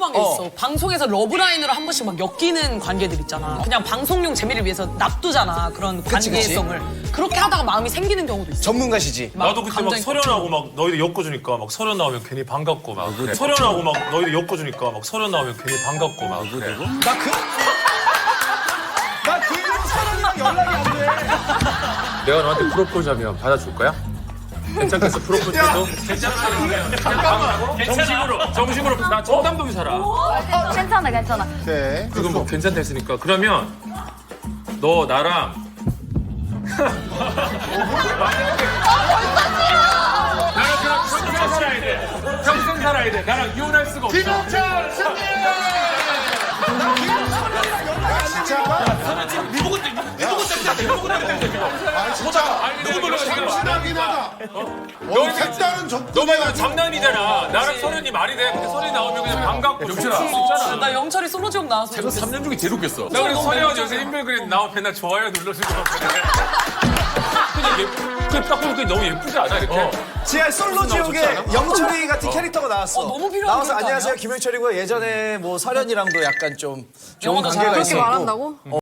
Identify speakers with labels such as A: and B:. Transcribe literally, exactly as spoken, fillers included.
A: 궁금한 게 있어. 방송에서 러브라인으로 한 번씩 막 엮이는 관계들 있잖아. 그냥 방송용 재미를 위해서 놔두잖아. 그런
B: 그치, 그치.
A: 관계성을. 그렇게 하다가 마음이 생기는 경우도 있어.
B: 전문가시지.
A: 막
C: 나도 그때 막
A: 감정이
C: 설현하고 막 너희들 엮어주니까 막 설현 나오면 괜히 반갑고 막 설현하고 막 너희들 엮어주니까 막 설현 나오면 괜히 반갑고 막 그래.
B: 나 그... 나 그 이후로 사람이랑 연락이 안 돼.
C: 내가 너한테 프로포즈 하면 받아줄 거야? 괜찮겠어 프로포즈 해도? 괜찮아. 정식으로 정식으로 나 청담동에 살아.
D: 괜찮아, 괜찮아.
B: 네.
C: 그거 뭐 괜찮다 했으니까 그러면 너 나랑 나랑 그냥 평생 살아야 돼. 평생 살아야 돼. 나랑 이혼할 수가 없어. 김영철 승리!
E: 아 진짜
C: 누구
E: 참신하긴 하다.
C: 너
E: 색다른 접근이
C: 너가 장난이잖아. 나랑 설현이 말이 돼. 근데 설현이 나오면 그냥 반갑고 영철아.
A: 어, 나 영철이 솔로지옥 나와서.
F: 제가 삼 년 중에 제일 웃겼어.
C: 나 그래서 설현이 요새 인별그램 나오면 맨날 좋아요 눌러주고 그래. 그냥 예쁘, 그냥 딱 보니까 너무 예쁘지 않아 이렇게?
B: 지하 솔로 지옥에 영철이 같은 캐릭터가 나왔어.
A: 어, 너무 필요한
B: 나와서
A: 캐릭터
B: 안녕하세요
A: 아니야?
B: 김영철이고 예전에 뭐 설현이랑도 약간 좀 좋은
A: 영어도
B: 관계가
A: 잘하고.
B: 있었고.
D: 말한다고?